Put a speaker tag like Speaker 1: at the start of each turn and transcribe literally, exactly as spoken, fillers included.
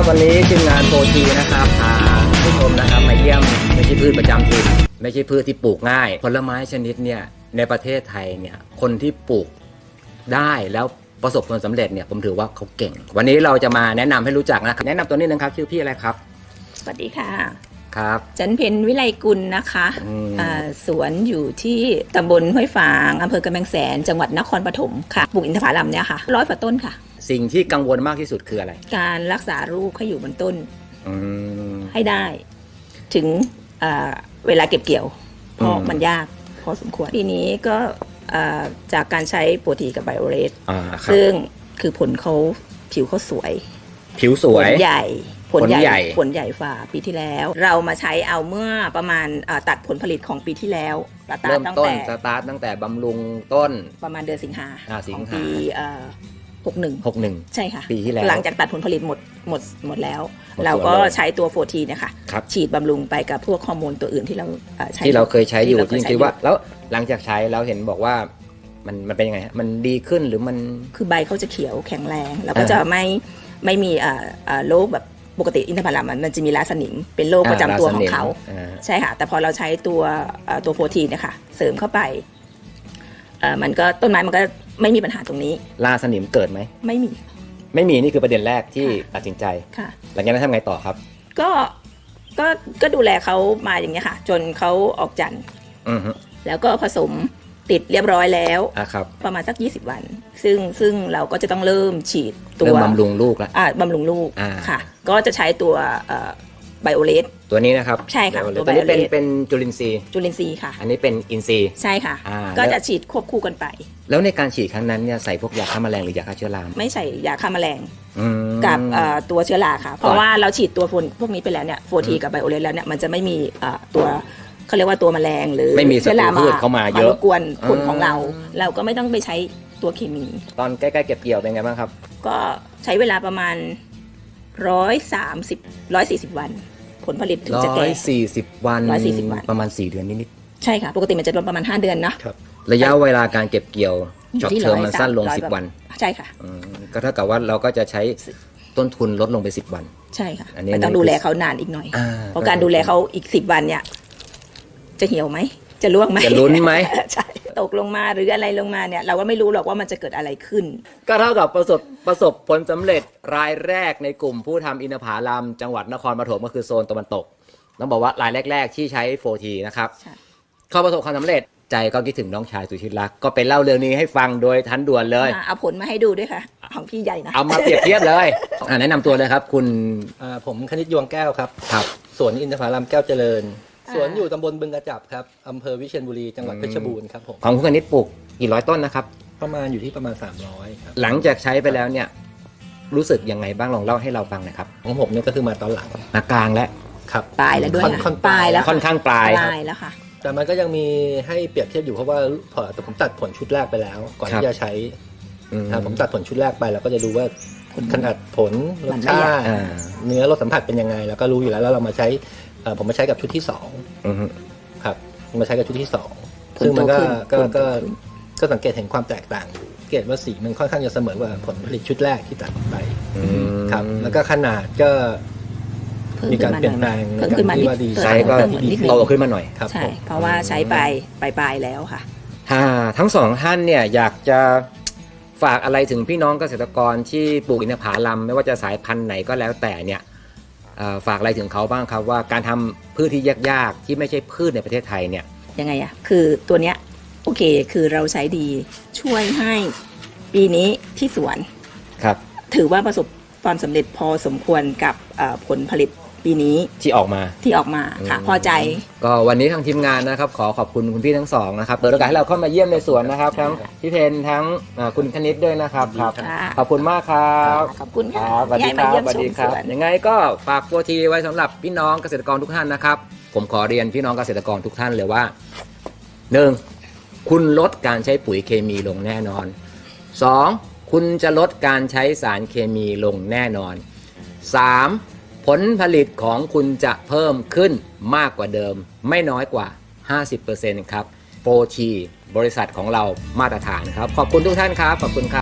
Speaker 1: วันนี้ทีมงานโฟทีนะครับพาผู้ชมนะครับมาเยี่ยมไม่ใช่พืชประจำถิ่นไม่ใช่พืชที่ปลูกง่ายผลไม้ชนิดเนี่ยในประเทศไทยเนี่ยคนที่ปลูกได้แล้วประสบผลสำเร็จเนี่ยผมถือว่าเขาเก่งวันนี้เราจะมาแนะนำให้รู้จักนะครับแนะนำตัวนี้นึงครับชื่อพี่อะไรครับ
Speaker 2: สวัสดีค่ะ
Speaker 1: ครับ
Speaker 2: จันเพ็ญวิไลกุลนะคะสวนอยู่ที่ตำบลห้วยฝางอำเภอกำแพงแสนจังหวัดนครปฐมค่ะปลูกอินทผลัมเนี่ยค่ะร้อยกว่าต้นค่ะ
Speaker 1: สิ่งที่กังวลมากที่สุดคืออะไร
Speaker 2: การรักษาลูกให้อยู่บนต้นให้ได้ถึงเวลาเก็บเกี่ยวเพราะมันยากพอสมควรทีนี้ก็จากการใช้โปรตีกับไบโอเรสซึ่งคือผลเขาผิวเขาสวย
Speaker 1: ผิวสวย
Speaker 2: ผลใหญ่ผลใหญ่ผลใหญ่ฝ่าปีที่แล้วเรามาใช้เอาเมื่อประมาณตัดผลผลิตของปีที่แล้ว
Speaker 1: เริ่มต้นสตาร์ทตั้งแต่บำรุงต้น
Speaker 2: ประมาณเดือนสิงหา
Speaker 1: ของ
Speaker 2: ปีหกหนึ่ง
Speaker 1: หกหนึ่ง
Speaker 2: ใช่ค่ะ
Speaker 1: ปีที่แล้ว
Speaker 2: หลังจากตัดผลผลิตหมดหมดหมดแล้วเราก็ใช้ตัวโฟทีเนี่ยค่ะฉีดบำรุงไปกับพวกฮอร์โมนตัวอื่นที่เราใช้
Speaker 1: ที่เราเคยใช้อยู่จริงๆว่าแล้วหลังจากใช้เราเห็นบอกว่ามันมันเป็นยังไงมันดีขึ้นหรือมัน
Speaker 2: คือใบเขาจะเขียวแข็งแรงแล้วก็จะไม่ไม่มีโรคแบบปกติอินทผลัมมันจะมีราสนิมเป็นโรคประจำตัวของเขาใช่ค่ะแต่พอเราใช้ตัวตัวโฟทีเนี่ยค่ะเสริมเข้าไปมันก็ต้นไม้มันก็ไม่มีปัญหาตรงนี้
Speaker 1: ราสนิมเกิดไหม
Speaker 2: ไม่มี
Speaker 1: ไม่มีนี่คือประเด็นแรกที่ตัดสินใจ
Speaker 2: ค่ะ
Speaker 1: หลังจากนั้นทำไงต่อครับ
Speaker 2: ก็ก็ก็ดูแลเขามาอย่างเงี้ยค่ะจนเขาออกจันทร์แล้วก็ผสมติดเรียบร้อยแล้วประมาณสักยี่สิบวันซึ่งซึ่งเราก็จะต้องเริ่มฉีดตัว
Speaker 1: บำรุงลูกแล้ว
Speaker 2: อ่าบำรุงลูกค่ะก็จะใช้ตัวไบโอเลส
Speaker 1: ตัวนี้นะครับ
Speaker 2: ใช่ค่ะ
Speaker 1: ตัวนี้เป็นเป็นจุลินทรีย์
Speaker 2: จุลินทรีย์ค่ะ
Speaker 1: อันนี้เป็นอินทรีย์
Speaker 2: ใช่ค่ะก็จะฉีดควบคู่กันไป
Speaker 1: แล้วในการฉีดครั้งนั้นเนี่ยใส่พวกยาฆ่าแมลงหรือยาฆ่าเชื้อรา
Speaker 2: ไม่ใส่ยาฆ่าแมลงกับตัวเชื้อราค่ะเพราะว่าเราฉีดตัวโฟนพวกนี้ไปแล้วเนี่ยโฟทีกับไบโอเลสแล้วเนี่ยมันจะไม่มีตัวเขาเรียกว่าตัวแมลงหรือ
Speaker 1: ไม่มีเชื้อราเข้ามาเยอะ
Speaker 2: รบกวนผลของเราเราก็ไม่ต้องไปใช้ตัวเคมี
Speaker 1: ตอนใกล้ๆเก็บเกี่ยวเป็นไงบ้างครับ
Speaker 2: ก็ใช้เวลาประมาณร้อยสามสิบร้อยสี่สิบวันผลผลิตถึงจะแก่
Speaker 1: ร้อยสี่สิบวัน
Speaker 2: ร้อยสี่สิบวัน
Speaker 1: ประมาณสี่เดือนนิด
Speaker 2: ๆใช่ค่ะปกติมันจะรวมประมาณห้าเดือนนะครับ
Speaker 1: ระยะเวลาการเก็บเกี่ยวช็อตเทอมมันสั้นลงสิบวัน
Speaker 2: ใช่ค่ะ
Speaker 1: ก็เท่ากับว่าเราก็จะใช้ต้นทุนลดลงไปสิบวัน
Speaker 2: ใช่ค่ะมันต้องดูแลเขานานอีกหน่อยเพราะการดูแลเขาอีกสิบวันเนี่ยจะเหี่ยวไหมจะร่วงไหม
Speaker 1: จะลุ้นไหม
Speaker 2: ใช่ตกลงมาหรืออะไรลงมาเนี่ยเราก็ไม่รู้หรอกว่ามันจะเกิดอะไรขึ้น
Speaker 1: ก็เท่ากับประสบประสบผลสำเร็จรายแรกในกลุ่มผู้ทำอินทผลัมจังหวัดนครปฐมก็คือโซนตะวันตกต้องบอกว่ารายแรกๆที่ใช้โฟทีนะครับเขาประสบความสำเร็จใจก็คิดถึงน้องชายสุชิตรักก็ไปเล่าเรื่องนี้ให้ฟังโดยทันด่วนเลย
Speaker 2: เอาผลมาให้ดูด้วยค่ะของพี่ใหญ่นะ
Speaker 1: เอามาเปรียบเทียบเลยแนะนำตัวเลยครับคุณ
Speaker 3: ผมคณิตยวงแก้วครับครับสวนอินทผลัมแก้วเจริญสวนอยู่ตำบลบึงกระจับครับอำเภอวิเชียรบุรีจังหวัดเพชรบูรณ์ครับผม
Speaker 1: ของคุณคณิตปลูกกี่ร้อยต้นนะครับ
Speaker 3: ประมาณอยู่ที่ประมาณสามร้อยครับ
Speaker 1: หลังจากใช้ไปแล้วเนี่ยรู้สึกยังไงบ้างลองเล่าให้เราฟังหน่อยครับ
Speaker 3: ของผมเนี่ยก็คือมาตอนหลัง
Speaker 1: มากลางแล้ว
Speaker 3: ครับ
Speaker 2: ปลายแล้วด้วย
Speaker 3: ปลายแล้ว
Speaker 1: ค่อนข้างปลาย
Speaker 2: ปลายแล้วค่ะ
Speaker 3: แต่มันก็ยังมีให้เปรียบเทียบอยู่เพราะว่าพอผมตัดผลชุดแรกไปแล้วก่อนที่จะใช้ผมตัดผลชุดแรกไปเราก็จะดูว่าขนาดผลรสชาติเนื้อรสสัมผัสเป็นยังไงแล้วก็รู้อยู่แล้วแล้วเรามาใช้ผมมาใช้กับชุดที่สองครับมาใช้กับชุดที่สองซึ่งมันก็ก็ก็ก็สังเกตเห็นความแตกต่างอยู่สังเกตว่าสีมันค่อนข้างจะเสมอกว่าผลผลิตชุดแรกที่ตัดไปครับแล้วก็ขนาดก็มีการเปลี่ยนแปลง
Speaker 2: เพิ่มขึ้นมาที่ว่าดี
Speaker 1: ใช้ก็โตขึ้นมาหน่อย
Speaker 2: ใช่เพราะว่าใช้ไปปลายๆแล้วค่ะ
Speaker 1: ทั้งสองท่านเนี่ยอยากจะฝากอะไรถึงพี่น้องเกษตรกรที่ปลูกอินทผลัมไม่ว่าจะสายพันธุ์ไหนก็แล้วแต่เนี่ยฝากอะไรถึงเขาบ้างครับว่าการทำพืชที่ยากๆที่ไม่ใช่พืชในประเทศไทยเนี่ย
Speaker 2: ยังไงอะคือตัวเนี้ยโอเคคือเราใช้ดีช่วยให้ปีนี้ที่สวน
Speaker 1: ครับ
Speaker 2: ถือว่าประสบความสำเร็จพอสมควรกับผลผลิตปีนี้
Speaker 1: ที่ออกมา
Speaker 2: ที่ออกมาค่ะพอใจ
Speaker 1: ก็วันนี้ทางทีมงานนะครับขอขอบคุณคุณพี่ทั้งสองนะครับเปิดโอกาสให้เราเข้ามาเยี่ยมในสวนนะครับทั้งพี่เพนทั้งคุณคณิตด้วยนะครับครับขอบคุณมากครับ
Speaker 2: ขอบคุณ
Speaker 1: ครับสวัสดีครับสวัสดีครับยังไงก็ฝากโฟทีไว้สำหรับพี่น้องเกษตรกรทุกท่านนะครับผมขอเรียนพี่น้องเกษตรกรทุกท่านเลยว่าหนึ่งคุณลดการใช้ปุ๋ยเคมีลงแน่นอนสองคุณจะลดการใช้สารเคมีลงแน่นอนสามผลผลิตของคุณจะเพิ่มขึ้นมากกว่าเดิมไม่น้อยกว่า ห้าสิบเปอร์เซ็นต์ ครับโฟทีบริษัทของเรามาตรฐานครับขอบคุณทุกท่านครับขอบคุณครับ